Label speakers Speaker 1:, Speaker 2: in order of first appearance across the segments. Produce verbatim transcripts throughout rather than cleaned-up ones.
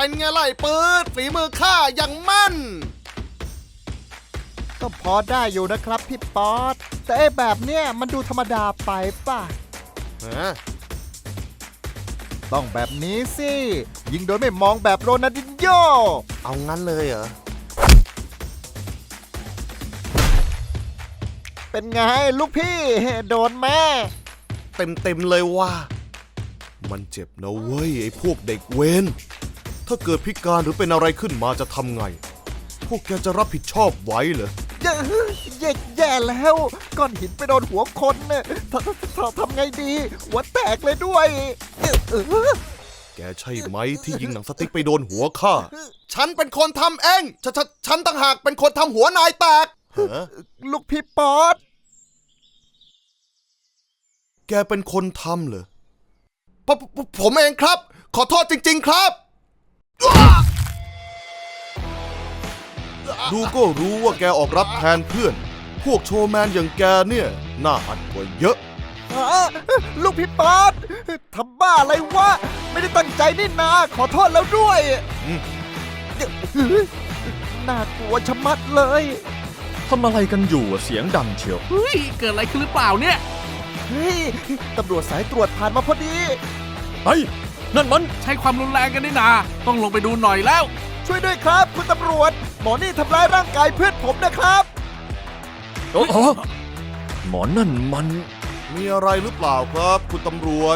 Speaker 1: เป็นไงไล่ปืดฝีมือข้าอย่างมั่น
Speaker 2: ก็พอได้อยู่นะครับพี่ป๊อตแต่ไอ้แบบเนี้ยมันดูธรรมดาไปป่ะ
Speaker 1: ฮะ
Speaker 2: ต้องแบบนี้สิยิงโดยไม่มองแบบโรนัลดินโญ่
Speaker 1: เอางั้นเลยเหรอ
Speaker 2: เป็นไงลูกพี่โดนแม่
Speaker 1: เต็มเต็มเลยว่ามันเจ็บนะเว้ยไอ้พวกเด็กเวนถ้าเกิดพิการหรือเป็นอะไรขึ้นมาจะทำไงพวกแกจะรับผิดชอบไว้เหรอ
Speaker 2: แย่แย่แย่แล้วก้อนหินไปโดนหัวคนเนี่ยทำไงดีหัวแตกเลยด้วย
Speaker 1: แกใช่ไหมที่ยิงหนังสติ๊กไปโดนหัวข้าฉันเป็นคนทำเองฉันฉันต่างหากเป็นคนทำหัวนายแตก
Speaker 2: ลูกพี่ป๊อต
Speaker 1: แกเป็นคนทำเหรอปปผมเองครับขอโทษจริงๆครับดูก็รู้ว่าแกออกรับแทนเพื่อนพวกโชว์แมนอย่างแกเนี่ยน่าอัดกว่าเยอะ
Speaker 2: ลูกพี่ป๊อตทำบ้าอะไรวะไม่ได้ตั้งใจนี่นาขอโทษแล้วด้วยน่ากลัวชะมัดเลย
Speaker 3: ทำอะไรกันอยู่เสียงดังเชียว
Speaker 4: เฮ้ยเกิดอะไรขึ้นหรือเปล่าเนี่ย
Speaker 2: เฮ้ยตำรวจสายตรวจผ่านมาพอดี
Speaker 3: ไอ้นั่นมัน
Speaker 4: ใช้ความรุนแรงกันนี่นาต้องลงไปดูหน่อยแล้ว
Speaker 2: ช่วยด้วยครับคุณตำรวจหมอนี่ทำร้ายร่างกายเพื่อนผมนะครับ
Speaker 3: โอ้โหหมอนั่นมัน
Speaker 1: มีอะไรหรือเปล่าครับคุณตำรวจ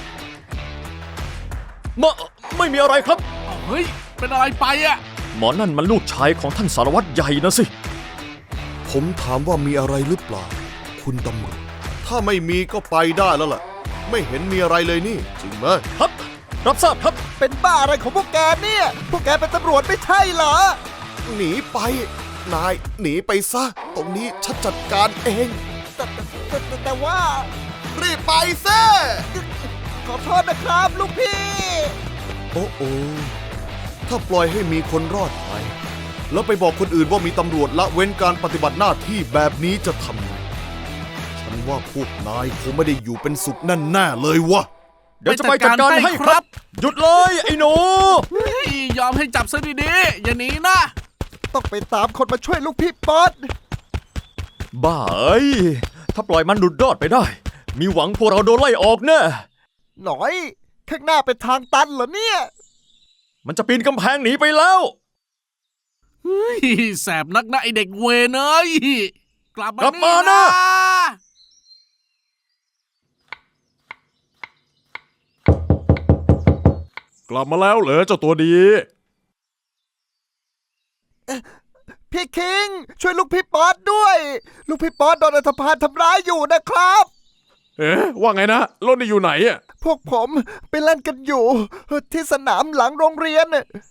Speaker 3: ไม่ไม่มีอะไรครับ
Speaker 4: เฮ้ยเป็นอะไรไปอ่ะ
Speaker 3: หมอนั่นมันลูกชายของท่านสารวัตรใหญ่นะสิ
Speaker 1: ผมถามว่ามีอะไรหรือเปล่าคุณตำรวจถ้าไม่มีก็ไปได้แล้วล่ะไม่เห็นมีอะไรเลยนี่จริงไหม
Speaker 3: ครับรับทราบครับ
Speaker 2: เป็นบ้าอะไรของพวกแกเนี่ยพวกแกเป็นตำรวจไม่ใช่เหรอ
Speaker 1: หนีไปนายหนีไปซะตรงนี้ฉันจัดการเอง
Speaker 2: แต่แต่แต่ว่า
Speaker 1: รีบไปซะ
Speaker 2: ขอโทษนะครับลูกพี่
Speaker 1: โอ้โอถ้าปล่อยให้มีคนรอดไปแล้วไปบอกคนอื่นว่ามีตำรวจละเว้นการปฏิบัติหน้าที่แบบนี้จะทำไงฉันว่าพวกนายคงไม่ได้อยู่เป็นสุขแน่ๆเลยวะ
Speaker 3: เดี๋ยวจะไปจัดการให้ครับหยุดเลยไอ้หนู
Speaker 4: ยอมให้จับซะดีๆอย่าหนีนะ
Speaker 2: ต้องไปตามคนมาช่วยลูกพี่ป๊อต
Speaker 3: บ้าเอ้ยถ้าปล่อยมันหลุดรอดไปได้มีหวังพวกเราโดนไล่ออกแน่
Speaker 2: หน่อยข้างหน้าเป็นทางตันเหรอเนี่ย
Speaker 3: มันจะปีนกำแพงหนีไปแล้ว
Speaker 4: เฮ้ยแสบนักนะไอเด็กเวรเอ้ยกลับ
Speaker 3: มานี่นะ
Speaker 5: กลับมาแล้วเหรอเจ้าตัวดี
Speaker 2: พี่คิงช่วยลูกพี่ป๊อตด้วยลูกพี่ป๊อตโดนอันธพาลทำร้ายอยู่นะครับ
Speaker 5: เอ๊ะว่าไงนะรถนี่อยู่ไหนอ่ะ
Speaker 2: พวกผมไปเล่นกันอยู่ที่สนามหลังโรงเรียน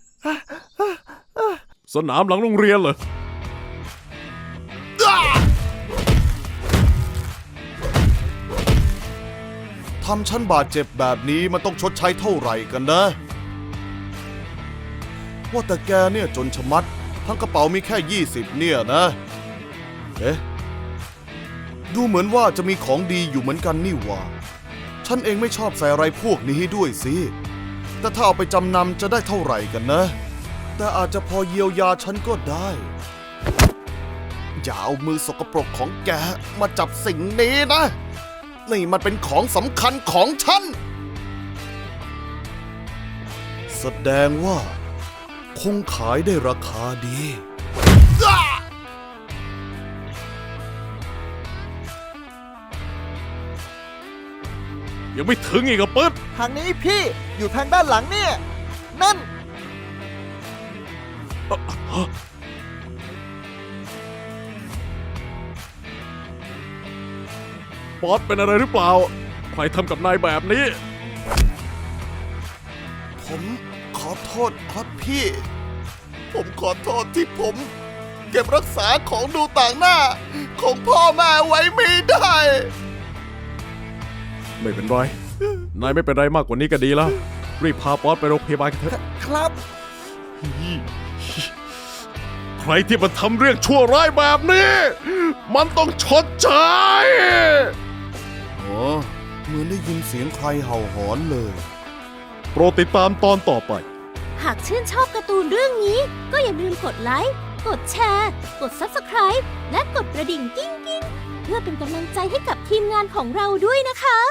Speaker 5: สนามหลังโรงเรียนเหรอ
Speaker 1: ทำฉันบาดเจ็บแบบนี้มันต้องชดใช้เท่าไหร่กันนะว่าแต่แกเนี่ยจนชะมัดทั้งกระเป๋ามีแค่ยี่สิบเนี่ยนะเอ๊ะดูเหมือนว่าจะมีของดีอยู่เหมือนกันนี่ว่าฉันเองไม่ชอบใส่อะไรพวกนี้ด้วยสิแต่ถ้าเอาไปจำนำจะได้เท่าไหร่กันนะแต่อาจจะพอเยียวยาฉันก็ได้อย่าเอามือสกปรกของแกมาจับสิ่งนี้นะนี่มันเป็นของสำคัญของฉันแสดงว่าคงขายได้ราคาดี
Speaker 5: ยังไม่ถึงอีกอ่ะปึ๊บ
Speaker 2: ทางนี้พี่อยู่ทางด้านหลังเนี่ยนั่น
Speaker 5: ป๊อตเป็นอะไรหรือเปล่าใครทำกับนายแบบนี้
Speaker 1: ผมขอโทษครับพี่ผมขอโทษที่ผมเก็บรักษาของดูต่างหน้าของพ่อแม่ไว้ไม่ได้
Speaker 5: ไม่เป็นไรนายไม่เป็นไรมากกว่านี้ก็ดีแล้วรีบพาป๊อตไปโรงพยาบาลกันเถอะ
Speaker 2: ครับ
Speaker 5: ใครที่มันทำเรื่องชั่วร้ายแบบนี้มันต้องชดใช้
Speaker 1: อ๋อเหมือนได้ยินเสียงใครเห่าหอนเลย
Speaker 5: โปรดติดตามตอนต่อไป
Speaker 6: หากชื่นชอบการ์ตูนเรื่องนี้ ก็อย่าลืมกดไลค์ กดแชร์ กด ซับสไครบ์ และกดกระดิ่งกิ้งกิ้งเพื่อเป็นกำลังใจให้กับทีมงานของเราด้วยนะคะ